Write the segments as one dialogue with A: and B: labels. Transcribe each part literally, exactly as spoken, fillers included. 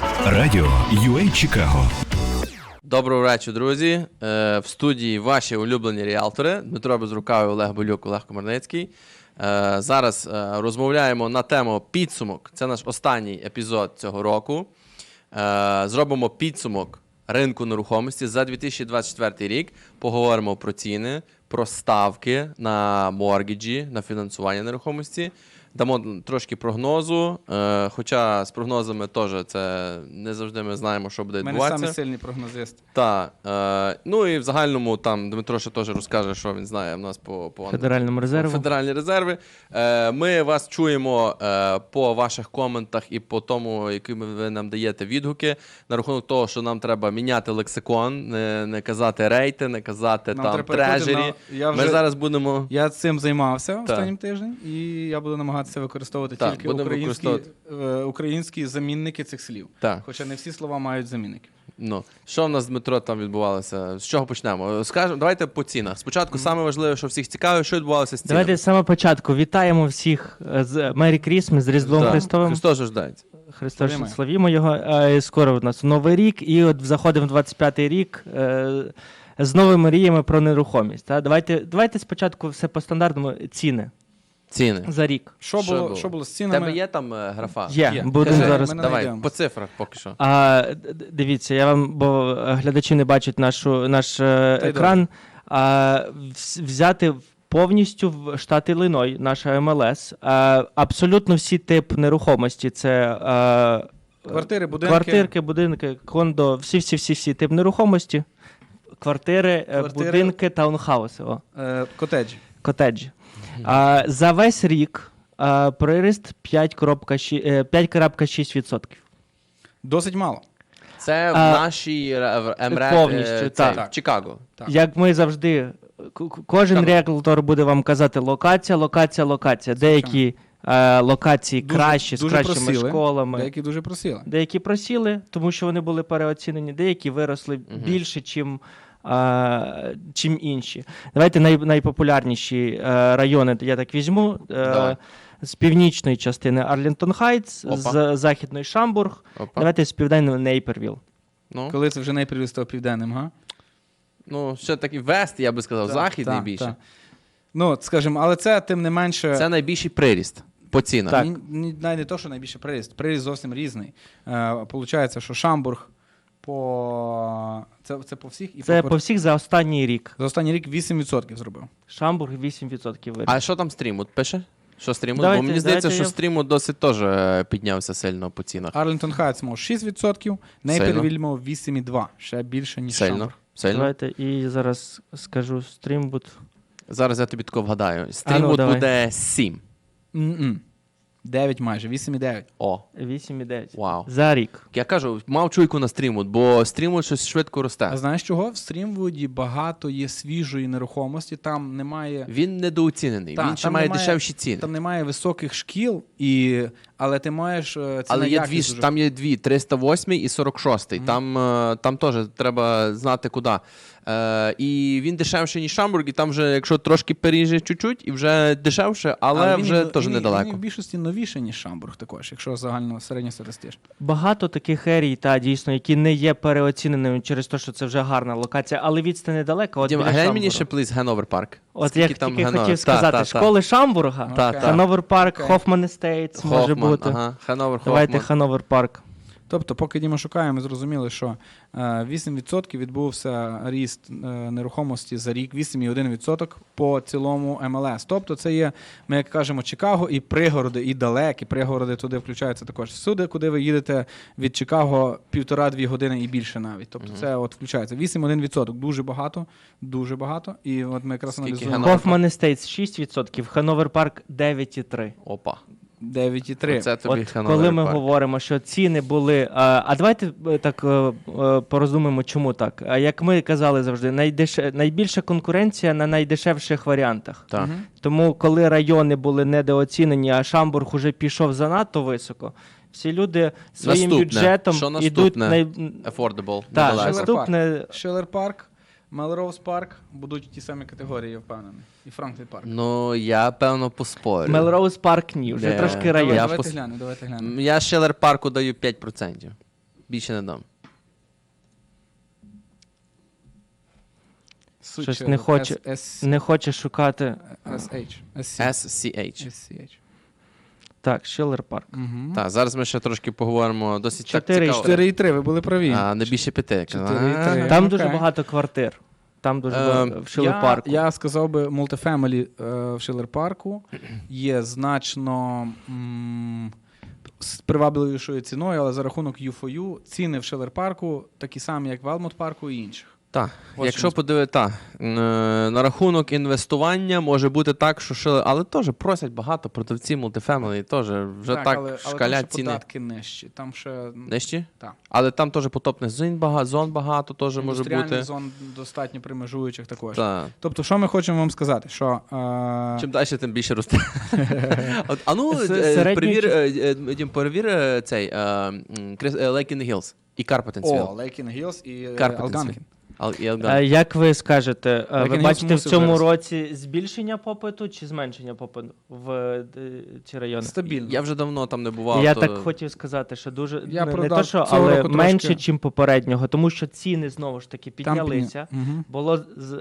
A: Радіо ю ей Чикаго.
B: Доброго вечора, друзі. В студії ваші улюблені ріалтори Дмитро Безрукавий, Олег Болюк, Олег Комарницький. Зараз розмовляємо на тему підсумок. Це наш останній епізод цього року. Зробимо підсумок ринку нерухомості за дві тисячі двадцять четвертий рік. Поговоримо про ціни, про ставки на моргіджі, на фінансування нерухомості. Дамо трошки прогнозу, е, хоча з прогнозами теж це не завжди ми знаємо, що буде відбуватися.
C: Ми не самі сильні прогнозисти.
B: Так. Е, ну і в загальному там Дмитро ще теж розкаже, що він знає в нас по, по
D: Федеральному резерву.
B: Федеральні резерви. Е, ми вас чуємо е, по ваших коментах і по тому, які ви нам даєте відгуки на рахунок того, що нам треба міняти лексикон, не, не казати рейти, не казати
C: Нам
B: там
C: треба
B: трежері.
C: на... Я
B: вже... Ми зараз будемо...
C: Я цим займався
B: Так.
C: останнім тижнем, і я буду намагатися використовувати
B: Так,
C: тільки
B: будемо
C: українські,
B: використовувати.
C: е, українські замінники цих слів.
B: Так.
C: Хоча не всі слова мають замінники.
B: Ну, що в нас, Дмитро, там відбувалося? З чого почнемо? Скажемо, давайте по цінах. Спочатку, mm-hmm. саме важливе, що всіх цікавить, що відбувалося з цінами.
D: Давайте з самого початку. Вітаємо всіх з Мері Крісмас, з Різдвом
B: да.
D: Христовим.
B: Христос ждається.
D: Христос, славімо його. Скоро у нас Новий рік, і от заходимо в двадцять п'ятий рік з новими мріями про нерухомість. Давайте, давайте спочатку все по стандартному. Ціни.
B: Ціни.
D: За рік.
C: Що,
B: Що
C: було,
B: було?
C: що було з
B: У
C: цінами?
B: тебе є там е, графа?
D: Є.
C: Є.
D: Будемо
B: Кажи,
D: зараз.
C: ми
B: Давай,
C: знайдемо.
B: по цифрах поки що.
D: А, д- дивіться, я вам, бо глядачі не бачать нашу, наш е,
C: й
D: екран. А, вз- взяти повністю в штат Ілліной, наша ем ел ес. А, абсолютно всі тип нерухомості. Це а,
C: Квартири, будинки.
D: квартирки, будинки, кондо, всі-всі-всі тип нерухомості. Квартири, е,
C: Квартири.
D: будинки, таунхауси, о,
C: Е, котеджі.
D: котеджі. А, за весь рік а, приріст п'ять цілих шість відсотків.
C: Досить мало.
B: Це в
D: А,
B: нашій е, в МРЕД,
D: повністю,
B: е,
D: так.
B: цей, в Чикаго.
C: Так.
D: Як ми завжди, к- к- кожен
B: Чикаго.
D: ріелтор буде вам казати локація, локація, локація. Деякі е, локації
C: Дуже-
D: кращі, з
C: дуже
D: кращими
C: просіли.
D: школами.
C: Деякі дуже просіли.
D: Деякі просіли, тому що вони були переоцінені, деякі виросли
B: Мгм.
D: більше, чим, е, чим інші. Давайте най, найпопулярніші е, райони, я так візьму.
B: Давай.
D: Е, з північної частини Арлінтон Хайтс,
B: Опа.
D: з західної Шамбург.
B: Опа.
D: Давайте з південної Нейпервіл.
B: Ну,
C: Коли це вже найпривіз став південним, га?
B: ну, ще такий вест, я би сказав,
C: Так,
B: захід
C: так,
B: найбільше.
C: так. Ну, скажімо, але це тим не менше...
B: Це найбільший приріст по цінах.
D: Так.
C: Ні, ні, навіть не то, що найбільше приріст. Приріст зовсім різний. Е, получається, що Шамбург по... Це, це по всіх? І
D: Це
C: по...
D: по всіх за останній рік.
C: За останній рік вісім відсотків зробив.
D: Шамбург вісім відсотків виріс.
B: А що там Стрімут пише? Що Стрімут?
D: Давайте,
B: Бо мені здається,
D: давайте
B: що
D: я-
B: Стрімут досить теж е, піднявся сильно по цінах.
C: Арлінтон Хайтс мав шість відсотків, Нейпервіль мав вісім цілих два. Ще більше, ніж
B: Сильно.
C: Шамбург.
B: Сильно.
D: Давайте і зараз скажу стрімбут.
B: Зараз я тобі тако вгадаю. Стрімут
D: давай.
B: буде сім.
C: М-м. дев'ять майже, вісім цілих дев'ять.
B: О,
D: вісім цілих дев'ять.
B: вау.
D: За рік.
B: Я кажу, мав чуйку на Стрімут, бо Стрімут щось швидко росте.
C: А знаєш чого? В Стрімвуді багато є свіжої нерухомості, там немає...
B: Він недооцінений,
C: Та,
B: він ще
C: там
B: має
C: немає-
B: дешевші ціни.
C: Там немає високих шкіл, і... але ти маєш... е, ціна
B: Але є дві,
C: якість
B: ж-
C: дуже-
B: там є дві, триста восьмий і сорок шостий.
C: Мгм.
B: Там, е, там теж треба знати куди. Е, і він дешевший, ніж Шамбург, і там вже, якщо трошки переїжджає чуть-чуть, і вже дешевше, але,
C: він
B: вже
C: і-
B: теж
C: він і-
B: недалеко.
C: Він і в більшості новіше, ніж Шамбург також, якщо загально середньостатистично.
D: Багато таких ерій, та дійсно, які не є переоціненими через те, що це вже гарна локація, але відстань недалека. От
B: Дім,
D: біля
B: глянь
D: Шамбурга.
B: мені ще, плиз, Гановер парк.
D: От
B: Скільки
D: як
B: там
D: тільки
B: Гановер?
D: хотів
B: Та,
D: сказати,
B: та, та.
D: школи Шамбурга,
B: Та,
C: Окей.
B: та.
D: Хановер парк,
C: Окей.
D: Хофман Естейтс може
B: Хофман,
D: бути.
B: Ага. Хановер,
D: Давайте
B: Хофман.
D: Хановер парк.
C: Тобто, поки Діма шукає, ми зрозуміли, що е, вісім відсотків відбувся ріст е, нерухомості за рік, вісім цілих один відсоток по цілому ем ел ес. Тобто це є, ми як кажемо, Чикаго і пригороди, і далекі пригороди туди включаються також. Всюди, куди ви їдете від Чикаго півтора-дві години і більше навіть. Тобто
B: Мгм.
C: це от включається. вісім цілих один відсоток. Дуже багато, дуже багато. І от ми якраз
B: Скільки
C: аналізуємо.
B: Гановер?
D: Хофман Естейтс шість відсотків, Хановер парк дев'ять цілих три відсотки.
B: Опа.
C: дев'ять цілих три.
B: Оце тобі
D: От
B: Хановер
D: коли ми
B: парк.
D: говоримо, що ціни були. А, а давайте е, так е, е, порозуміємо, чому так. А як ми казали завжди, найдеше, найбільша конкуренція на найдешевших варіантах.
B: Так.
C: Мгм.
D: Тому, коли райони були недооцінені, а Шамбург уже пішов занадто високо, всі люди своїм
B: Наступне.
D: бюджетом
B: Що
D: ідуть
B: наступне?
D: най...
B: Affordable.
D: Так,
B: недалеко.
D: наступне.
C: Шиллер парк, Мелроуз парк будуть ті самі категорії, я впевнений. І Франклін парк.
B: Ну, я, певно, поспорю.
D: Мелроуз парк ні, вже
B: Де?
D: трошки
B: Давай,
D: район.
B: я
C: давайте
B: пос-
C: глянемо, давайте глянемо.
B: Я Шелер парку даю п'ять відсотків. Більше не дам.
C: Сучер,
D: Щось не хоче,
C: S-
D: не хоче шукати.
C: SH. SC.
B: Ес Сі Ейч.
C: SCH.
D: Так, Шиллер Парк.
C: Мгм.
B: Так, зараз ми ще трошки поговоримо. Досить так
D: Чотири і
B: цікаво.
C: чотири і три, ви були праві.
B: А, не більше п'яти.
C: Чотири і три.
B: А,
D: Там
C: окей.
D: дуже багато квартир. Там дуже
B: Ем,
D: багато в Шиллер
C: Я,
D: Парку.
C: я сказав би, мультифемелі е, в Шиллер Парку є значно м, з привабливішою ціною, але за рахунок ю фор ю ціни в Шиллер Парку такі самі, як в Елмут Парку і інших.
B: Так,
C: От
B: якщо
C: чому.
B: подивитися, так, е, на рахунок інвестування може бути так, що шили, але теж просять багато продавці мультифемелі, теж вже так,
C: але, але
B: шкалять
C: там ще
B: ціни.
C: податки нижчі. Там ще
B: Нижчі?
C: Так.
B: Але там теж потопних зон багато, зон багато теж може
C: індустріальних
B: бути.
C: зон достатньо примежуючих також.
B: Так.
C: Тобто, що ми хочемо вам сказати? Що, е,
B: Чим далі, тим більше росте. От, а ну,
D: С-
B: е,
D: середній
B: перевір,
D: чи-
B: е, е, Дім, перевір е, цей е, м, Крис- е, Lake in the Hills і
C: о,
B: Карпатенсвіл.
C: Лейкін Гілс і е,
B: Карпатенсвіл.
C: Алганкін.
B: Ал- і
D: А
B: Елган.
D: як ви скажете, е, ви
C: Легенів
D: бачите в
C: мусив
D: цьому
C: вирости.
D: році збільшення попиту чи зменшення попиту в е, ці райони?
C: Стабільно.
B: Я вже давно там не бував.
D: Я
B: то-
D: так хотів сказати, що дуже
C: Я
D: не, не
C: продав
D: то, що,
C: цього
D: але
C: року
D: менше,
C: трошки.
D: ніж попереднього, тому що ціни знову ж таки
C: Там
D: піднялися.
C: підня- Мгм.
D: Було з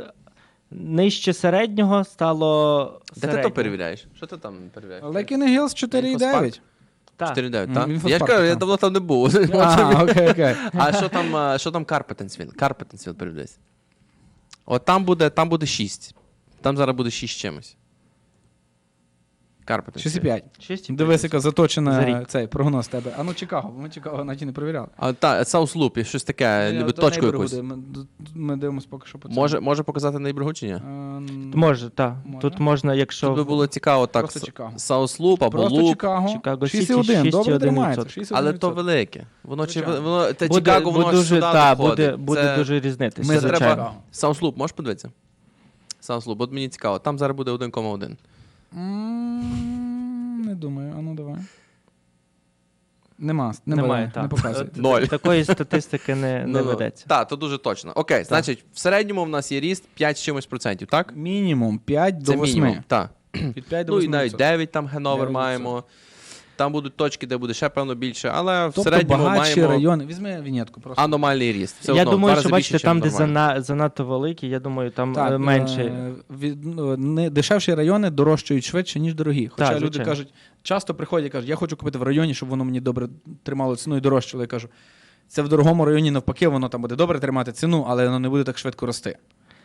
D: нижче середнього стало
B: Де ти
D: середнього.
B: то перевіряєш? Що ти там перевіряєш?
C: Лейкін Гілс чотири і дев'ять.
D: Так.
B: чотири дев'ять,
C: Мгм,
B: так?
C: він
B: Я ж
C: фотопарк,
B: кажу, я
C: так.
B: давно там не був.
C: А, окей, окей.
B: А що там, а, що там Карпатенсвіл? Карпатенсвіл передивись. От там буде, там буде шість. Там зараз буде шість чимось. Карпатенсвіл.
C: шість і п'ять.
D: Шість і
C: Дивись,
D: п'ять.
C: яка
D: За
C: заточена
D: рік.
C: цей прогноз тебе. А ну Чикаго, бо ми Чикаго навіть і не перевіряли.
B: А, та, Саус Луп, щось таке,
C: Ні,
B: ніби
C: до
B: точку
C: Нейборгу
B: якусь.
C: Ми, ми дивимося поки що по цьому.
B: Може, може показати Нейборгу чи ні?
C: Е, н-
D: Може, так.
C: Може.
D: Тут можна, якщо
B: Тут би було цікаво так.
C: Просто Чикаго.
B: Саус Луп або
C: Просто
B: Луп.
C: Чикаго.
D: Чикаго
C: шість і
D: Сіті,
C: один.
D: шість і
C: Добре
D: один
C: тримається.
D: відсоток.
C: шість і один
B: Але то
C: відсоток.
B: велике. Воно чи
C: Звичайно.
B: воно те
D: буде,
B: Чикаго, воно
D: буде
B: ж
D: дуже,
B: сюди
D: та,
B: доходить.
D: буде, буде
B: Це-
D: дуже різнитися.
C: Ми
B: Це
C: звичайно.
B: треба. Саус Луп, можеш подивитися? Саус Луп, от мені цікаво. Там зараз буде один кома один.
C: М, Не думаю, а ну давай. Нема, не
D: Немає,
C: веде,
D: так.
C: не показує.
D: От
B: Ноль.
D: Такої статистики не, не ведеться.
B: Так, то дуже точно. Окей, значить, в середньому в нас є ріст п'ять з чимось процентів, так?
C: Мінімум п'ять до
B: Це мінімум.
C: восьми.
B: Так.
C: Від п'ять до
B: Ну і
C: восьми.
B: навіть дев'ять там Геновер
C: дев'ять
B: маємо. Там будуть точки, де буде ще певно більше, але в
C: Тобто
B: середньому
C: багатші
B: маємо
C: райони. Візьми вінетку просто.
B: аномальний ріст. Все
D: Я
B: одно, в два
D: думаю,
B: рази
D: що бачите,
B: більше,
D: там,
B: чим
D: де
B: нормально.
D: зана, занадто великі, я думаю, там
C: Так,
D: е, менше.
C: е, від, ну, не, дешевші райони дорожчають швидше, ніж дорогі. Хоча
D: Так,
C: люди
D: звичайно.
C: кажуть, часто приходять і кажуть, я хочу купити в районі, щоб воно мені добре тримало ціну і дорожчало. Я кажу, це в дорогому районі навпаки, воно там буде добре тримати ціну, але воно не буде так швидко рости.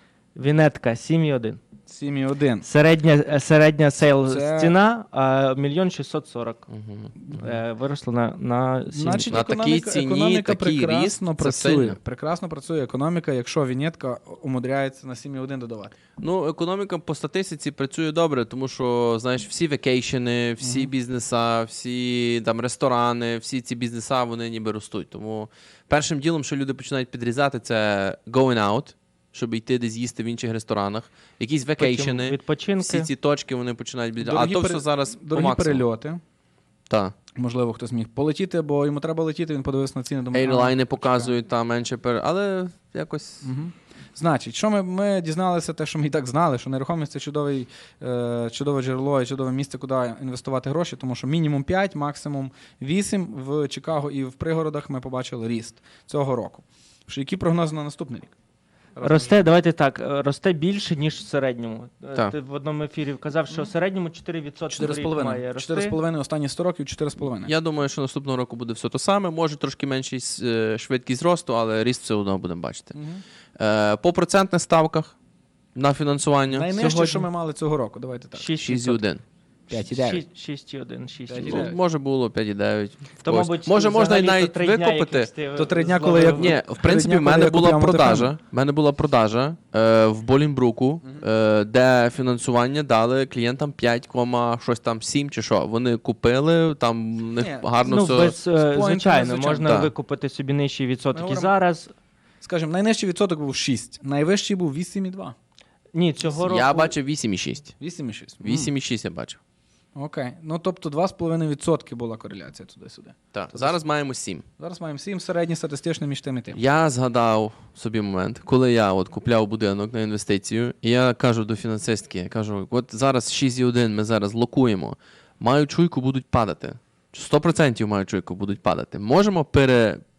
D: Вінетка сім і один.
C: сім і один.
D: Середня, е, середня сейл
C: Це-
D: ціна а, мільйон шістсот сорок.
B: Мгм.
D: Е, виросла на, на сім.
C: Значить,
B: На такій
C: економіка,
B: ціні,
C: економіка
B: такий
C: прекрасно
B: ріст, це
C: працює.
B: сильно.
C: Прекрасно працює економіка, якщо вінетка умудряється на сім і один додавати.
B: Ну, економіка по статистиці працює добре, тому що, знаєш, всі векейшени, всі
C: Мгм.
B: бізнеса, всі там ресторани, всі ці бізнеса, вони ніби ростуть. Тому першим ділом, що люди починають підрізати, це going out, щоб йти десь їсти в інших ресторанах. Якісь
D: Потім
B: векейшени,
D: відпочинки.
B: всі ці точки вони починають підрізати. А
C: Дорогі
B: то
C: пере-
B: все зараз по
C: Дорогі
B: максимуму.
C: перельоти.
B: Так.
C: Можливо, хтось міг полетіти, бо йому треба летіти, він подивився на ціни, думає, а,
B: Ейрлайни
C: почекай.
B: показують там менше пер... Але якось.
C: Мгм. Значить, що ми, ми дізналися, те, що ми і так знали, що нерухомість це чудовий, е, чудове джерело і чудове місце, куди інвестувати гроші, тому що мінімум п'ять, максимум вісім в Чикаго і в пригородах ми побачили ріст цього року. Що, які прогнози на наступний рік?
D: Росте, давайте так, е, росте більше, ніж в середньому. Е,
B: Так.
D: Ти в одному ефірі казав, що в середньому чотири відсотки
C: чотири з
D: в рік має
C: половиною.
D: рости.
C: чотири з половиною останні сто років, чотири з половиною.
B: Я думаю, що наступного року буде все те саме. Може трошки менший е, швидкість росту, але ріст все одно будемо бачити.
C: Мгм.
B: Е, по процентних ставках на фінансування
C: Найнижче,
D: Сьогодні-
C: що ми мали цього року, давайте так.
D: шість
B: шість і один.
C: п'ять і дев'ять.
D: шість і один, шість і
C: п'ять і
D: один.
C: дев'ять.
B: Ну, може було п'ять і дев'ять. в
D: То,
B: когось.
D: мабуть,
B: може, можна і
D: взагалі
B: навіть
D: то три дня,
B: викупити.
D: яких ти
C: То три дня,
D: зловив.
C: коли я-
B: Ні, в принципі,
C: дня,
B: в
C: коли
B: мене
C: я
B: була
C: купляв
B: продажа.
C: мультифемелі.
B: В мене була продажа е, в Болінбруку, е, де фінансування дали клієнтам п'ять, щось там сім чи що. Вони купили, там в них
C: Ні,
B: гарно
D: Ну,
B: все.
D: без, е,
C: поінтами,
D: звичайно,
C: звичайно.
D: можна
B: Так.
D: викупити собі нижчий відсоток.
C: Ми
D: І
C: говоримо-
D: зараз,
C: Скажімо, найнижчий відсоток був шість, найвищий був вісім і два.
D: ні, цього року...
B: Я бачив вісім і шість.
C: вісім і шість.
B: вісім і шість я бачив.
C: М, Окей. Ну, тобто два з половиною відсотки була кореляція туди-сюди.
B: Так, зараз маємо сім.
C: Зараз маємо сім, середній статистичний між тим і тим.
B: Я згадав собі момент, коли я от купляв будинок на інвестицію, і я кажу до фінансистки, я кажу, от зараз шість і один ми зараз локуємо, маю чуйку, будуть падати. сто відсотків маю чуйку, будуть падати. Можемо пере,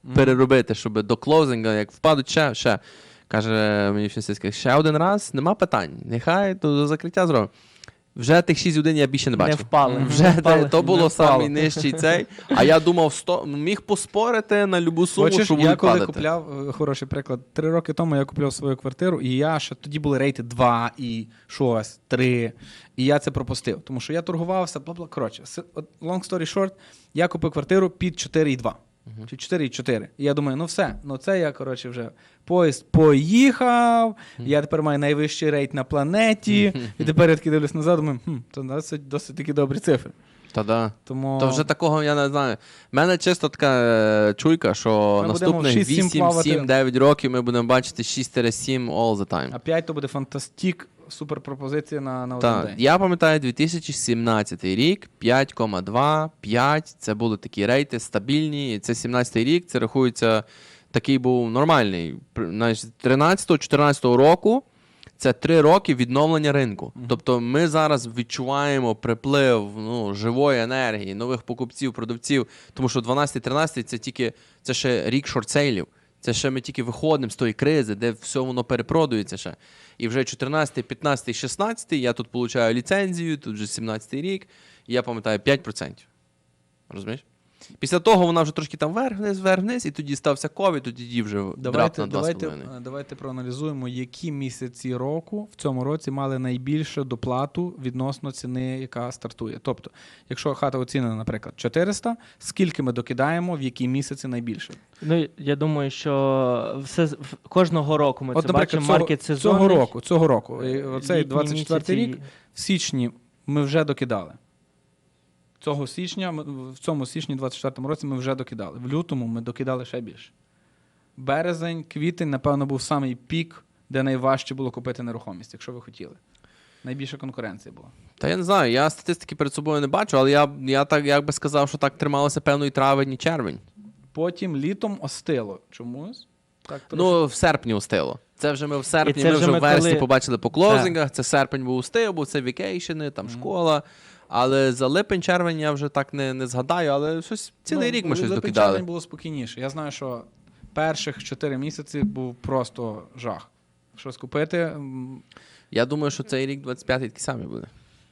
B: переробити, щоб до клоузинга, як впадуть ще, ще. Каже мені фінансистка, ще один раз, нема питань. Нехай то до закриття зробимо. Вже тих шість годин я більше не
D: Не
B: бачив.
D: впали.
B: Вже
D: Не впали.
B: те- то було
D: Не впало.
B: самий нижчий цей. А я думав, сто, міг поспорити на любу суму,
C: Хочеш,
B: що
C: я
B: будуть
C: коли
B: падати.
C: купляв, е, хороший приклад, три роки тому я купляв свою квартиру, і я ще тоді були рейти два і щось, три, і я це пропустив, тому що я торгувався, бла-бла, коротше, с- от long story short, я купив квартиру під чотири і два. Чи чотири і чотири. І я думаю, ну все, ну це я, коротше, вже поїзд поїхав, я тепер маю найвищий рейт на планеті, і тепер я таки дивлюсь назад, думаю, хм, це досить, досить такі добрі цифри.
B: Та да.
C: Тому...
B: То вже такого я не знаю. У мене чисто така е, чуйка, що
C: Ми будемо
B: наступних
C: шість-сім
B: вісім,
C: плавати.
B: сім, дев'ять років ми будемо бачити шість сім all the time.
C: А п'ять то буде фантастик, супер пропозиція на, на один
B: Так,
C: день.
B: я пам'ятаю дві тисячі сімнадцятий рік, п'ять цілих два, п'ять, це були такі рейти стабільні, і це сімнадцятий рік, це рахується, такий був нормальний. При- знаєш, з тринадцятого-чотирнадцятого року це три роки відновлення ринку. Тобто ми зараз відчуваємо приплив ну, живої енергії, нових покупців, продавців, тому що дванадцятий-тринадцятий це тільки, це ще рік шортсейлів. Це ще ми тільки виходимо з тої кризи, де все воно перепродується ще. І вже чотирнадцятий, п'ятнадцятий, шістнадцятий я тут получаю ліцензію, тут вже сімнадцятий рік, і я пам'ятаю п'ять відсотків. Розумієш? Після того вона вже трошки там вверх-вниз, вверх-вниз, і тоді стався ковід, тоді вже драп
C: Давайте,
B: на два з
C: давайте,
B: половиною.
C: е, давайте проаналізуємо, які місяці року в цьому році мали найбільшу доплату відносно ціни, яка стартує. Тобто, якщо хата оцінена, наприклад, чотириста, скільки ми докидаємо, в які місяці найбільше?
D: Ну, я думаю, що все, з- в- кожного року ми
C: От,
D: це бачимо,
C: цього,
D: маркет
C: цього
D: сезонний.
C: року, цього року, і оцей
D: літні
C: двадцять четвертий
D: місяці.
C: рік, в січні ми вже докидали. Цього січня, ми- в цьому січні двадцять четвертому році ми вже докидали. В лютому ми докидали ще більше. Березень, квітень, напевно, був самий пік, де найважче було купити нерухомість, якщо ви хотіли. Найбільша конкуренція була.
B: Та я не знаю, я статистики перед собою не бачу, але я, я так як би сказав, що так трималося певно і травень, і червень.
C: Потім літом остило чомусь. Так, трошки.
B: Ну, в серпні устило. Це вже ми в серпні,
D: І це
B: ми
D: вже
B: вже
D: ми
B: в вересні
D: коли-
B: побачили по клоузингах, це серпень був устив, бо це вікейшени, там школа. Але за липень-червень я вже так не, не згадаю, але щось цілий
C: Ну,
B: рік ми щось
C: липень,
B: докидали.
C: червень було спокійніше. Я знаю, що перших чотири місяці був просто жах. Щось купити. м,
B: Я думаю, що цей рік двадцять п'ятий такий самий буде.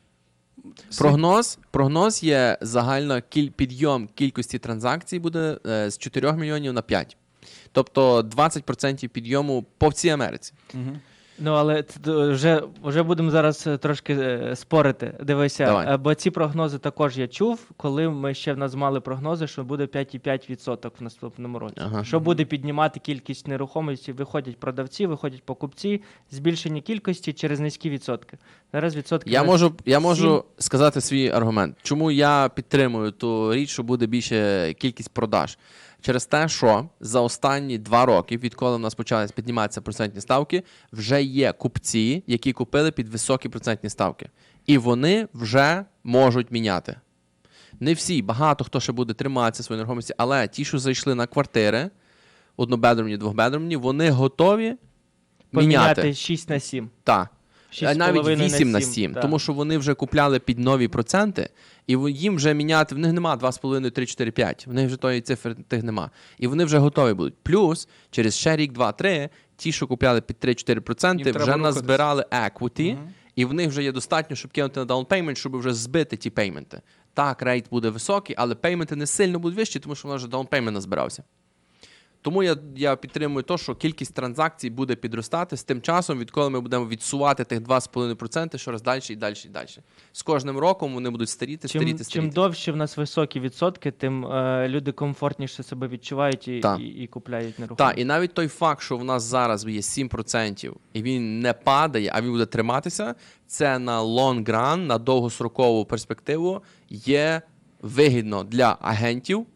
B: Прогноз, прогноз є загально кіль, підйом кількості транзакцій буде е, з чотирьох мільйонів на п'ять. Тобто двадцять відсотків підйому по всій Америці.
C: Мгм.
D: Ну, але т- т- вже, вже будемо зараз е, трошки е, спорити. Дивися,
B: Давай.
D: е, бо ці прогнози також я чув, коли ми ще в нас мали прогнози, що буде п'ять цілих п'ять відсотка в наступному році.
B: Ага.
D: Що буде піднімати кількість нерухомості, виходять продавці, виходять покупці, збільшення кількості через низькі відсотки. Зараз відсотки
B: Я
D: на
B: можу, я можу
D: сім.
B: сказати свій аргумент. Чому я підтримую ту річ, що буде більше кількість продаж? Через те, що за останні два роки, відколи в нас почали підніматися процентні ставки, вже є купці, які купили під високі процентні ставки. І вони вже можуть міняти. Не всі, багато хто ще буде триматися своєї нерухомості, але ті, що зайшли на квартири, однобедромні, двохбедромні, вони готові
D: поміняти
B: міняти.
D: шість на сім.
B: Так.
D: шість з
B: Навіть
D: половиною
B: вісім на
D: сім,
B: сім,
D: так.
B: тому що вони вже купляли під нові проценти, і в- їм вже міняти, в них нема два з половиною, три, чотири, п'ять, в них вже тої цифри тих нема. І вони вже готові будуть. Плюс, через ще рік, два, три, ті, що купляли під три-чотири проценти,
C: Їм треба
B: вже
C: рухатись.
B: назбирали equity,
C: Мгм.
B: і в них вже є достатньо, щоб кинути на down payment, щоб вже збити ті пейменти. Так, рейт буде високий, але пейменти не сильно будуть вищі, тому що в нас вже down payment назбирався. Тому я, я підтримую те, що кількість транзакцій буде підростати з тим часом, відколи ми будемо відсувати тих два з половиною відсотка щораз далі і далі і далі. З кожним роком вони будуть старіти,
D: Чим,
B: старіти,
D: чим
B: старіти.
D: довше в нас високі відсотки, тим е, люди комфортніше себе відчувають і,
B: Так.
D: і, і купляють нерухомість.
B: Так, і навіть той факт, що в нас зараз є сім відсотків, і він не падає, а він буде триматися, це на long run, на довгострокову перспективу є вигідно для агентів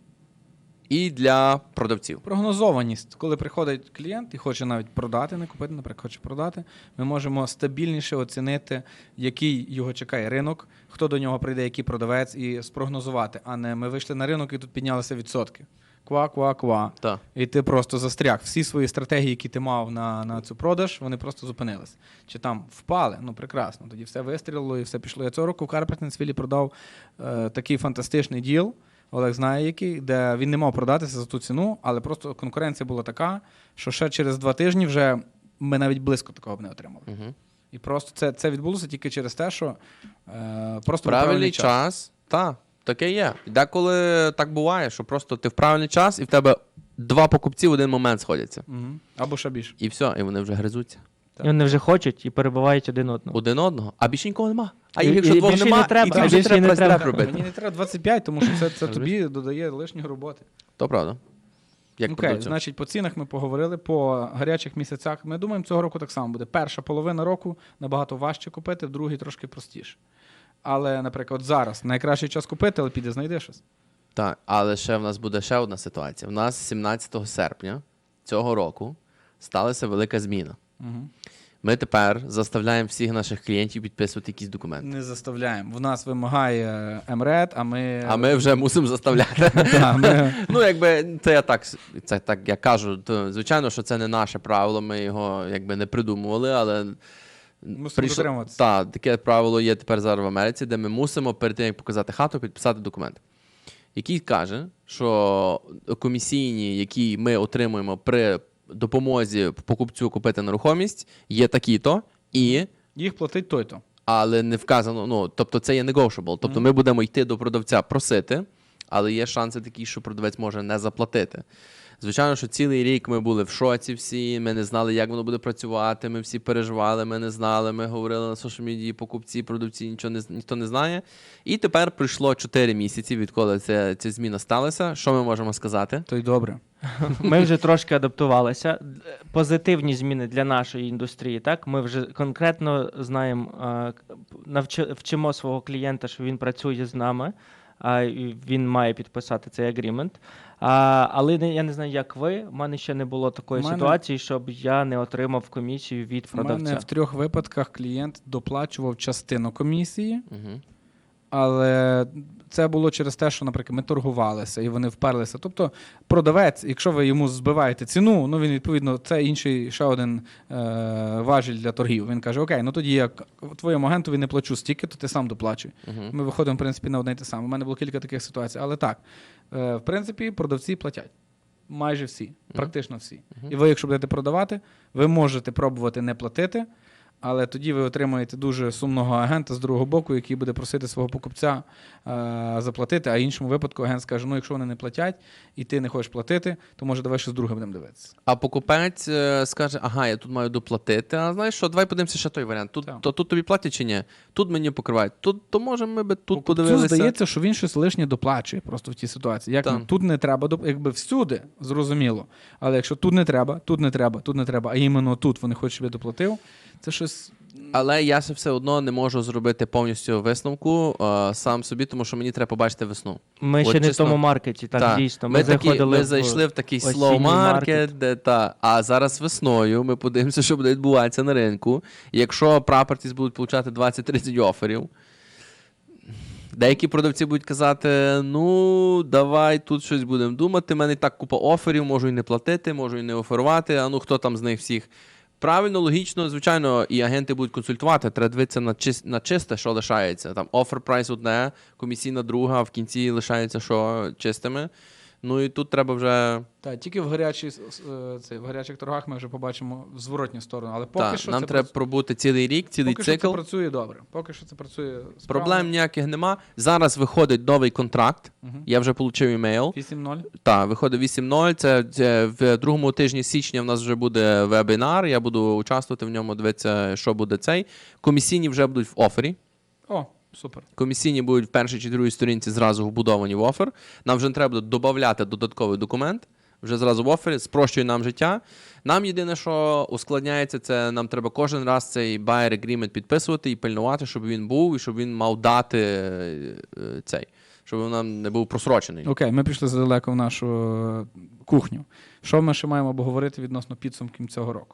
B: і для продавців.
C: Прогнозованість. Коли приходить клієнт і хоче навіть продати, не купити, наприклад, хоче продати, ми можемо стабільніше оцінити, який його чекає ринок, хто до нього прийде, який продавець, і спрогнозувати. А не ми вийшли на ринок і тут піднялися відсотки. Ква, ква, ква.
B: Так.
C: І ти просто застряг. Всі свої стратегії, які ти мав на, на цю продаж, вони просто зупинились. Чи там впали? Ну, прекрасно. Тоді все вистрілило і все пішло. Я цього року в Карпентенсвілі продав е, такий фантастичний діл. Олег знає який, де він не мав продатися за ту ціну, але просто конкуренція була така, що ще через два тижні вже ми навіть близько такого б не отримали.
B: Угу.
C: І просто це, це відбулося тільки через те, що е, просто був
B: Правильний час. час. Так, таке є. Деколи так буває, що просто ти в правильний час, і в тебе два покупці в один момент сходяться.
C: Угу. Або ще більше.
B: І все, і вони вже гризуться.
D: І вони вже хочуть і перебувають один одного.
B: Один одного, а більше нікого нема. А
D: І-
B: їх, якщо
D: і
B: двох
D: більше
B: нема,
D: не треба,
B: і ти
D: а
B: вже
D: більше
B: треба
D: не
B: прес
D: треба.
B: робити.
C: Мені не треба двадцять п'ять, тому що це, це тобі додає лишньої роботи.
B: То правда. Як
C: Окей,
B: продавцю.
C: значить, по цінах ми поговорили, по гарячих місяцях. Ми думаємо, цього року так само буде. Перша половина року набагато важче купити, в другій трошки простіше. Але, наприклад, зараз найкращий час купити, але піде знайди щось.
B: Так, але ще в нас буде ще одна ситуація. У нас сімнадцятого серпня цього року сталася велика зміна.
C: Угу.
B: Ми тепер заставляємо всіх наших клієнтів підписувати якісь документи.
C: Не заставляємо. В нас вимагає МРЕД, а ми...
B: А ми вже мусимо заставляти.
C: Та, ми...
B: Ну, якби це я так, це так я кажу, то звичайно, що це не наше правило, ми його якби не придумували, але
C: Мусимо дотримуватися.
B: Так, таке правило є тепер зараз в Америці, де ми мусимо перед тим, як показати хату, підписати документ, який каже, що комісійні, які ми отримуємо при допомозі покупцю купити нерухомість, є такі-то, і
C: Їх платить той-то.
B: але не вказано, ну, тобто це є negotiable. Тобто ми будемо йти до продавця просити, але є шанси такі, що продавець може не заплатити. Звичайно, що цілий рік ми були в шоці всі, ми не знали, як воно буде працювати, ми всі переживали, ми не знали, ми говорили на соціальній медії, покупці, продавці, нічого не, ніхто не знає. І тепер пройшло чотири місяці, відколи ця, ця зміна сталася. Що ми можемо сказати?
C: То й добре.
D: Ми вже трошки адаптувалися. Позитивні зміни для нашої індустрії. Так, ми вже конкретно знаємо, навчи, вчимо свого клієнта, що він працює з нами. А він має підписати цей агрімент. А, але не, я не знаю, як ви. У мене ще не було такої
C: мене...
D: ситуації, щоб я не отримав комісію від продавця.
C: У мене в трьох випадках клієнт доплачував частину комісії,
B: Угу.
C: але це було через те, що, наприклад, ми торгувалися і вони вперлися. Тобто продавець, якщо ви йому збиваєте ціну, ну він, відповідно, це інший ще один е- важіль для торгів. Він каже, окей, ну тоді я твоєму агентові не плачу стільки, то ти сам доплачуй.
B: Угу.
C: Ми виходимо, в принципі, на одне й те саме. У мене було кілька таких ситуацій. Але так, е- в принципі, продавці платять. Майже всі, практично всі. І ви, якщо будете продавати, ви можете пробувати не платити, але тоді ви отримаєте дуже сумного агента з другого боку, який буде просити свого покупця е- заплатити, а в іншому випадку агент скаже, ну якщо вони не платять і ти не хочеш платити, то може давай щось друге будемо дивитися.
B: А покупець е, скаже, ага, я тут маю доплатити, а знаєш що, давай подивимося ще той варіант. Тут,
C: Так.
B: то, тут тобі платять чи ні? Тут мені покривають. Тут, то може ми би тут
C: Покупцю
B: подивилися.
C: здається, що він щось лишнє доплачує просто в тій ситуації. Як
B: Так.
C: ну, тут не треба, доп- якби всюди, зрозуміло. Але якщо тут не треба, тут не треба, тут не треба, а іменно тут вони хочуть, щоб я доплатив, це щось...
B: Але я ще все одно не можу зробити повністю висновку е, сам собі, тому що мені треба побачити весну.
D: Ми
B: От
D: ще не в
B: чесно,
D: тому маркеті, так,
B: та.
D: дійсно. Ми,
B: Ми, такі,
D: заходили
B: ми
D: в
B: зайшли в такий
D: осінній
B: slow
D: маркет.
B: market, де та. А зараз весною ми подивимося, що буде відбуватися на ринку. І якщо properties будуть получати двадцять-тридцять оферів, деякі продавці будуть казати, ну, давай тут щось будемо думати, в мене і так купа оферів, можу і не платити, можу і не оферувати, а ну хто там з них всіх. Правильно, логічно, звичайно, і агенти будуть консультувати, треба дивитися на, чис... на чисте, що лишається. Там офер прайс одне, комісійна друга, а в кінці лишається що чистими. Ну і тут треба вже...
C: Так, тільки в, гарячій, е, це, в гарячих торгах ми вже побачимо в зворотню сторону. Але поки
B: Та,
C: що
B: нам
C: це
B: треба
C: прац-
B: пробути цілий рік, цілий
C: поки що
B: цикл.
C: це працює добре. Поки що це працює справно.
B: Проблем ніяких нема. Зараз виходить новий контракт.
C: Мгм.
B: Я вже отримав імейл.
C: вісім нуль.
B: Так, виходить вісім нуль. Це, це в другому тижні січня в нас вже буде вебінар. Я буду участвувати в ньому, дивитися, що буде цей. Комісійні вже будуть в офері.
C: О, супер.
B: Комісійні будуть в першій чи другій сторінці зразу вбудовані в офер. Нам вже не треба буде додати додатковий документ. Вже зразу в офері, спрощує нам життя. Нам єдине, що ускладняється, це нам треба кожен раз цей buyer agreement підписувати і пильнувати, щоб він був, і щоб він мав дати е, цей, щоб він нам не був просрочений.
C: Окей, ми пішли задалеко в нашу е, кухню. Що ми ще маємо обговорити відносно підсумків цього року?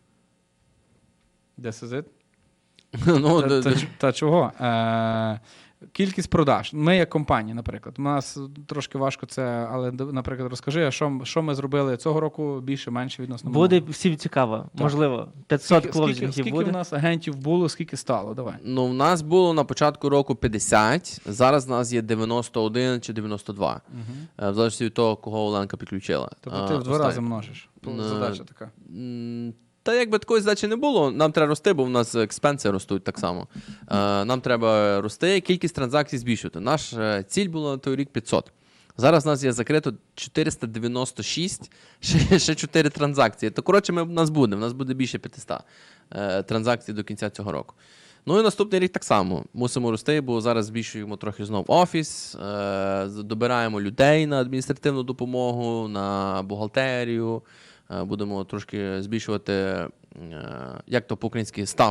C: This is it?
B: Ну,
C: Та,
B: д-
C: та,
B: д-
C: ч- та чого? Е, Кількість продаж. Ми як компанія, наприклад. У нас трошки важко це, але, наприклад, розкажи, а що, що ми зробили цього року більше, менше відносно
D: Буде
C: минулого?
D: всім цікаво.
C: Так.
D: Можливо, п'ятсот
C: Скільки,
D: клоузингів
C: скільки
D: буде.
C: у нас агентів було, скільки стало? Давай.
B: Ну, в нас було на початку року п'ятдесят, зараз в нас є дев'яносто один чи дев'яносто два.
C: Угу.
B: В залежності від того, кого Оленка підключила.
C: Тобто ти
B: А,
C: в два
B: останнє.
C: рази множиш.
B: Ну,
C: Задача така.
B: М, Та якби такої задачі не було, нам треба рости, бо в нас експенси ростуть так само. Е, Нам треба рости, кількість транзакцій збільшувати. Наша ціль була на той рік п'ятсот. Зараз у нас є закрито чотириста дев'яносто шість, ще, ще чотири транзакції. То, коротше, ми, в нас буде, в нас буде більше п'ятсот е, транзакцій до кінця цього року. Ну і наступний рік так само. Мусимо рости, бо зараз збільшуємо трохи знов офіс, е, добираємо людей на адміністративну допомогу, на бухгалтерію. Е, Будемо трошки збільшувати, е, як то по-українськи, став.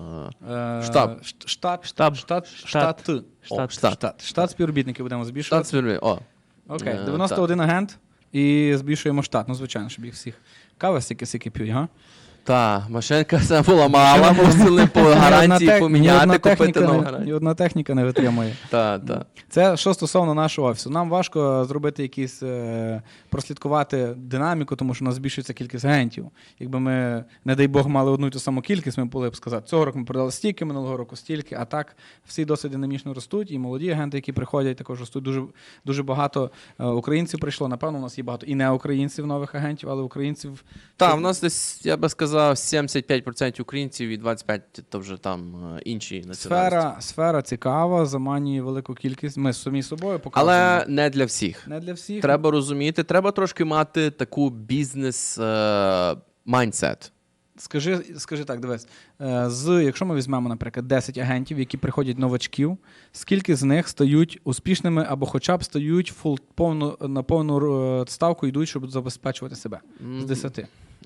B: е,
C: Е,
B: Штаб.
C: ш- Штат.
D: Штаб.
C: Штат.
D: Штат.
C: Штат.
B: О,
D: Штат.
B: штат.
C: Штат. Штат співробітників будемо
B: Штат
C: збільшувати.
B: свірві. О.
C: Окей,
B: Е,
C: дев'яносто один агент і збільшуємо штат. Ну, звичайно, щоб їх всіх. Кава стільки-стільки п'ють, га?
B: Та, машинка це була мала, мусили по гарантії
C: Ні одна
B: поміняти, купити
C: техніка
B: нову
C: не-
B: гарантію.
C: Ні одна техніка не витримує.
B: Та, та.
C: Це що стосовно нашого офісу. Нам важко зробити якісь, е, прослідкувати динаміку, тому що у нас збільшується кількість агентів. Якби ми, не дай Бог, мали одну і ту саму кількість, ми могли б сказати, цього року ми продали стільки, минулого року стільки, а так всі досить динамічно ростуть, і молоді агенти, які приходять, також ростуть. Дуже, дуже багато е, українців прийшло. Напевно, у нас є багато і не українців нових агентів, але українців.
B: Та, в нас десь, я би сказав, сімдесят п'ять відсотків українців і двадцять п'ять відсотків то вже там е, інші національності.
C: Сфера, сфера цікава, заманює велику кількість. Ми самі собою показуємо.
B: Але не для всіх.
C: Не для всіх.
B: Треба розуміти, треба трошки мати таку бізнес е, майндсет.
C: Скажи, скажи так, дивись, е, з, якщо ми візьмемо, наприклад, десять агентів, які приходять новачків, скільки з них стають успішними або хоча б стають фул, повну, на повну е, ставку йдуть, щоб забезпечувати себе? З десяти.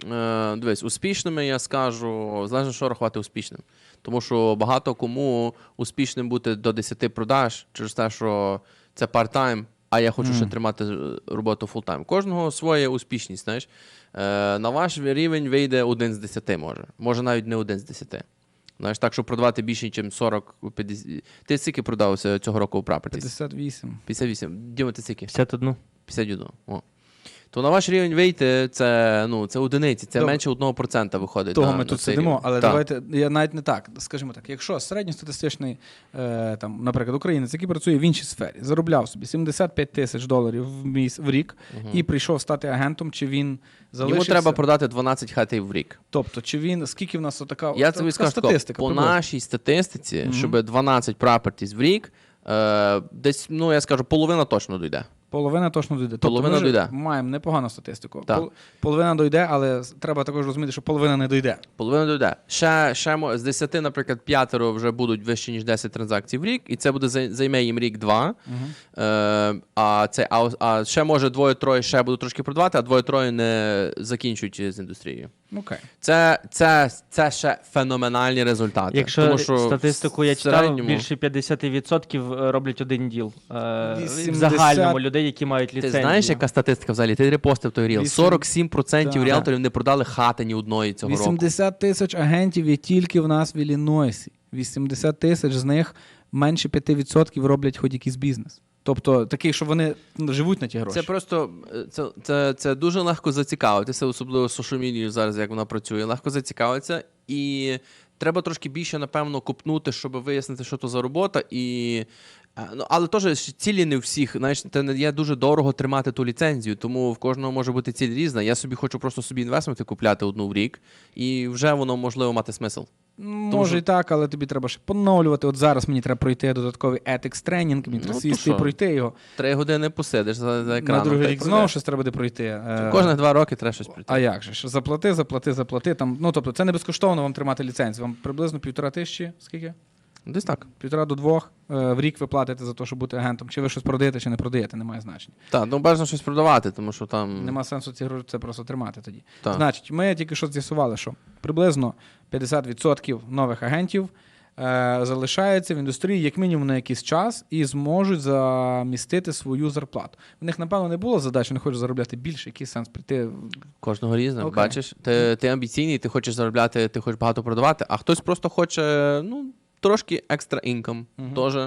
B: Е, дивись, успішними я скажу, залежно, що рахувати успішним. Тому що багато кому успішним бути до десяти продаж через те, що це part-time, а я хочу
C: Мгм.
B: ще тримати е, роботу full-time. Кожного своя успішність, знаєш. Е, на ваш рівень вийде один з десяти, може. Може навіть не один з десяти. Знаєш, так, щоб продавати більше, ніж сорок п'ятдесят. Ти скільки продався цього року у Properties?
C: п'ятдесят вісім.
B: п'ятдесят вісім. Діма, ти скільки?
D: п'ятдесят один.
B: п'ятдесят один. О. То на ваш рівень вийти, це, ну, це одиниці, це
C: Добре.
B: менше одного процента виходить.
C: Того
B: на,
C: ми
B: на
C: тут
B: цей
C: сидимо,
B: рівень.
C: але
B: Так.
C: давайте, я навіть не так, скажімо так, якщо середньостатистичний, е, там, наприклад, українець, який працює в іншій сфері, заробляв собі сімдесят п'ять тисяч доларів в, міс, в рік
B: Мгм.
C: і прийшов стати агентом, чи він залишився?
B: Йому треба продати дванадцять хатів в рік.
C: Тобто, чи він, скільки в нас отака,
B: Я
C: така
B: тобі скажу, тако,
C: статистика?
B: по
C: приблизно?
B: нашій статистиці,
C: Мгм.
B: щоб дванадцять properties в рік, е, десь, ну, я скажу, половина точно дійде.
C: Половина точно дійде. Тобто
B: Половина
C: ми ж
B: дійде.
C: маємо непогану статистику.
B: Так.
C: Пол- Половина дійде, але з- треба також розуміти, що половина не дійде.
B: Половина дійде. Ще, ще мо- з десяти, наприклад, п'ятеро вже будуть вище, ніж десять транзакцій в рік, і це буде зай- займе їм рік-два. Е, а, це, а, а ще, може, двоє-троє ще будуть трошки продавати, а двоє-троє не закінчують з індустрією.
C: Окей.
B: Це, це, це ще феноменальні результати.
D: Якщо
B: Тому що
D: статистику я
B: в
D: читав,
B: середньому-
D: більше п'ятдесят відсотків роблять один діл. Е, В
C: вісімдесят
D: загальному людей, які мають
B: Ти
D: ліцензію.
B: знаєш, яка статистика взагалі? Ти репостив той ріл.
C: Вісім-
B: сорок сім відсотків
C: Так.
B: ріелторів не продали хати ні одної цього року.
C: вісімдесят тисяч агентів є тільки в нас в Іллінойсі. вісімдесят тисяч з них менше п'ять відсотків роблять хоч якийсь бізнес. Тобто такий, що вони ну, живуть на ті гроші.
B: Це просто е, це, це, це дуже легко зацікавитися, особливо social media зараз, як вона працює. Легко зацікавитися, і треба трошки більше, напевно, копнути, щоб вияснити, що то за робота. І, е, ну, але теж цілі не у всіх. Знаєш, це не є дуже дорого тримати ту ліцензію, тому в кожного може бути ціль різна. Я собі хочу просто собі інвестменти купляти одну в рік, і вже воно можливо мати смисл.
C: Може
B: що-
C: і так, але тобі треба ще поновлювати. От зараз мені треба пройти додатковий етикс тренінг, мені
B: Ну,
C: треба
B: то
C: сісти і
B: що?
C: пройти його.
B: Три години посидиш за, за екраном.
C: На другий
B: та й
C: рік
B: пройдеш.
C: знову щось треба буде пройти. Е,
B: Кожних два роки треба щось прийти.
C: А як же ж? Заплати, заплати, заплати. Там, ну, тобто, це не безкоштовно вам тримати ліцензію. Вам приблизно півтора тисячі, скільки?
B: Десь так.
C: Півтора до двох е, в рік ви платите за те, щоб бути агентом. Чи ви щось продаєте, чи не продаєте, немає значення.
B: Так, ну бажано щось продавати, тому що там.
C: Нема сенсу ці гроші це просто тримати тоді.
B: Так.
C: Значить, ми тільки що з'ясували, що приблизно п'ятдесят відсотків нових агентів е, залишаються в індустрії як мінімум на якийсь час і зможуть замістити свою зарплату. В них, напевно, не було задачі, не хочуть заробляти більше, який сенс прийти.
B: Кожного різне.
C: Окей.
B: Бачиш, ти, ти амбіційний, ти хочеш заробляти, ти хочеш багато продавати, а хтось просто хоче, ну, трошки екстра інком.
C: Мгм.
B: Теж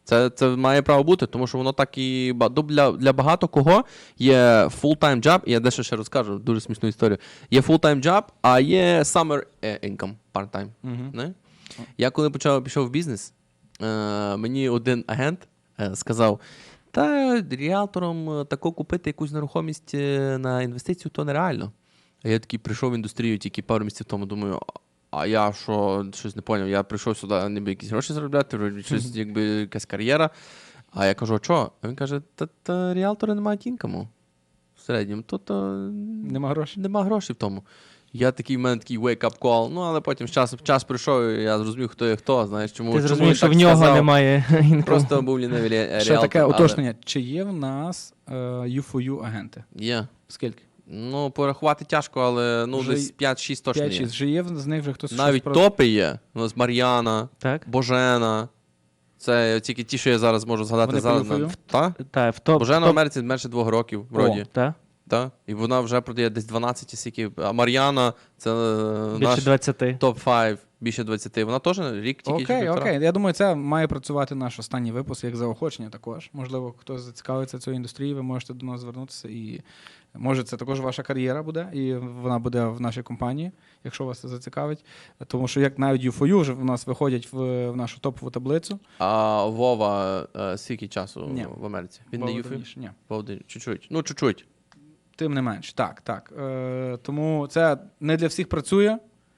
B: Це, це має право бути, тому що воно так і ба- ну, для, для багато кого є full-time job, і я дещо ще розкажу, дуже смішну історію. Є full-time job, а є summer е, income, part-time.
C: Мгм.
B: Не? Я коли почав пішов в бізнес, е, мені один агент е, сказав: та ріалтором е, тако купити якусь нерухомість е, на інвестицію, то нереально. А я такий прийшов в індустрію тільки пару місяців тому, думаю, а я що, щось не поняв, я прийшов сюди, ніби якісь гроші заробляти, вроді щось, якби якась кар'єра. А я кажу, а що? А він каже, та, та ріалтори не мають інкому в середньому, то, то
C: Нема грошей.
B: нема грошей в тому. Я такий, в мене такий wake-up call, ну але потім час, час прийшов, і я зрозумів, хто є хто, знаєш, чому,
D: Ти
B: чому
D: зрозумів,
B: він
D: що
B: так
D: в нього
B: сказав.
D: немає інкому.
B: Просто був лінивий рі-
C: Ще
B: ріалтор.
C: таке
B: але
C: уточнення. Чи є в нас е, ю фор ю агенти?
B: Є.
C: Скільки?
B: Ну, порахувати тяжко, але ну,
C: Вже
B: десь п'ять-шість точно є.
C: п'ять-шість. Вже є з них вже хтось
B: Навіть
C: щось про-
B: топи є. У нас Мар'яна,
D: Так?
B: Божена. Це тільки ті, що я зараз можу згадати.
C: Вони
B: зараз.
C: по ю фор ю?
B: Та?
D: Так, в топ.
B: Божена в
D: топ-
B: Америці менше двох років, вроді.
D: Так?
B: Та? І вона вже продає десь дванадцять скільки. А Мар'яна, це е,
D: Більше
B: наш
D: двадцяти.
B: топ п'ять, більше двадцяти. Вона теж рік тільки. чи
C: Окей,
B: півтора.
C: окей. Я думаю, це має працювати наш останній випуск як заохочення також. Можливо, хтось зацікавиться цією індустрією, ви можете до нас звернутися. І може це також ваша кар'єра буде, і вона буде в нашій компанії, якщо вас це зацікавить. Тому що як навіть ю фор ю вже в нас виходять в, в нашу топову таблицю.
B: А Вова е, скільки часу
C: Ні.
B: в Америці? Він не
C: Вова
B: юфі?
C: давніше. Ні.
B: Вова давніше. Чуть-чуть. Ну, чуть-чуть.
C: Тим не менш, так, так. Е, тому це не для всіх працює,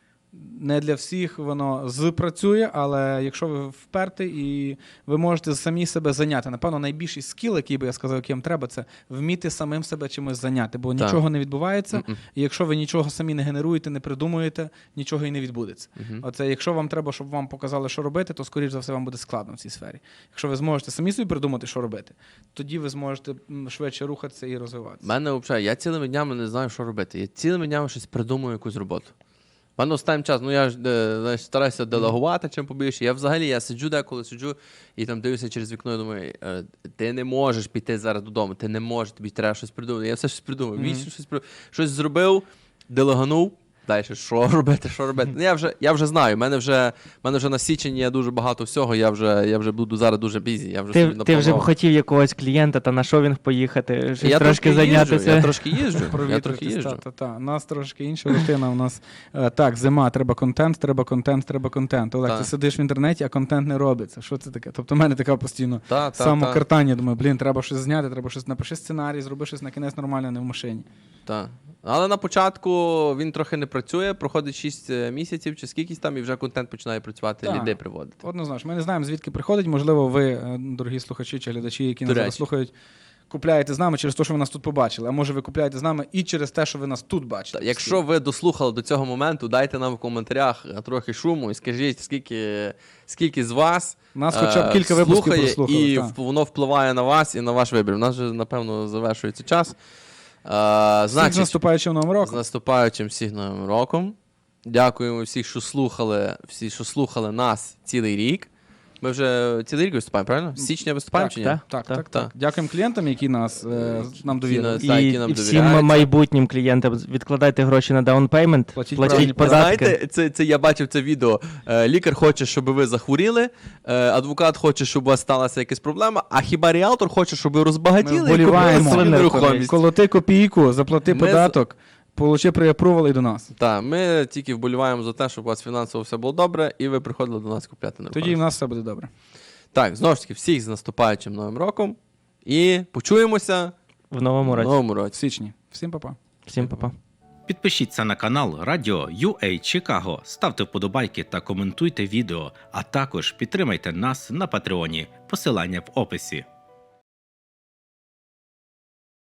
C: не для всіх воно запрацює, але якщо ви вперті і ви можете самі себе зайняти, напевно, найбільший скіл, який би я сказав, яким треба, це вміти самим себе чимось зайняти, бо
B: Так.
C: нічого не відбувається,
B: Мгм.
C: і якщо ви нічого самі не генеруєте, не придумуєте, нічого і не відбудеться.
B: Мгм.
C: Оце, якщо вам треба, щоб вам показали, що робити, то, скоріш за все, вам буде складно в цій сфері. Якщо ви зможете самі собі придумати, що робити, тоді ви зможете м, швидше рухатися і
B: У
C: розвиватися.
B: мене взагалі, я цілими днями не знаю, що робити. Я цілими днями щось придумую, якусь роботу. У мене останнім час, ну я ж е, знаєш, стараюся делегувати чим побільше. Я взагалі я сиджу деколи, сиджу і там дивлюся через вікно і думаю, е, ти не можеш піти зараз додому, ти не можеш, тобі треба щось придумати. Я все щось придумав.
C: Мгм.
B: Вічно щось придумав. Щось зробив, делеганув. Далі, що робити, що робити? Ну, я вже, я вже знаю, в мене вже, в мене вже на січень є дуже багато всього, я вже, я вже буду зараз дуже бізі. Я вже
D: Ти,
B: собі
D: ти вже б
B: напланував.
D: хотів якогось клієнта та на шовінг поїхати, щось
B: Я
D: трошки
B: їжджу,
D: зайнятися.
B: я трошки їжджу, я трохи
C: Провітритись,
B: їжджу.
C: та, та, та. У нас трошки інша рутина. У нас е, так, зима, треба контент, треба контент, треба контент. Олег,
B: Та.
C: ти сидиш в інтернеті, а контент не робиться. Що це таке? Тобто в мене така постійно
B: Та, та,
C: самокартання. Думаю, блін, треба щось зняти, треба щось напиши сценарій, зроби щось на кінець нормально, не в машині.
B: Так. Але на початку він трохи не працює, проходить шість місяців чи скількись там, і вже контент починає працювати,
C: Так.
B: людей приводити.
C: Однозначно, ми не знаємо, звідки приходить. Можливо, ви, е, дорогі слухачі чи глядачі, які
B: До
C: нас зараз
B: речі.
C: слухають, купляєте з нами через те, що ви нас тут побачили. А може ви купляєте з нами і через те, що ви нас тут бачите.
B: Та, Якщо ви дослухали до цього моменту, дайте нам в коментарях трохи шуму і скажіть, скільки, скільки з вас
C: Нас хоча б
B: е,
C: кілька випусків
B: слухає,
C: прослухали,
B: і
C: та.
B: в- воно впливає на вас і на ваш вибір. У нас вже, напевно, завершується час. Е,
C: Всіх з
B: значить,
C: наступаючим новим
B: з
C: роком.
B: наступаючим всіх новим роком. Дякуємо всіх, що слухали, всі, що слухали нас цілий рік. Ми вже цілий рік виступаємо, правильно? З січня виступаємо
C: Так,
B: чи ні?
D: так.
C: Так, так, так.
B: Так.
C: Дякуємо клієнтам, які нас е, нам довірили.
B: Всі на-
D: І,
B: які нам
D: і всім
B: довіряються.
D: майбутнім клієнтам відкладайте гроші на даунпеймент,
C: Платіть
D: платіть,
C: правильно.
D: податки.
B: Знаєте, це, це я бачив це відео. Е, лікар хоче, щоб ви захворіли, е, адвокат хоче, щоб у вас сталася якась проблема, а хіба ріалтор хоче, щоб ви розбагатіли
C: Ми вболіваємо.
B: собі нерухомість.
C: Колоти копійку, заплати
B: Ми
C: податок, получи приапрувал і до нас.
B: Так, ми тільки вболіваємо за те, щоб у вас фінансово все було добре, і ви приходили до нас купляти нерухомість.
C: Тоді в нас все буде добре.
B: Так, знову ж таки, всіх з наступаючим новим роком. І почуємося
D: В новому
B: в
D: році.
B: новому
C: В
B: році.
C: січні. Всім па-па.
D: Всім па-па.
A: Підпишіться на канал Радіо ю ей Чикаго, ставте вподобайки та коментуйте відео, а також підтримайте нас на Патреоні. Посилання в описі.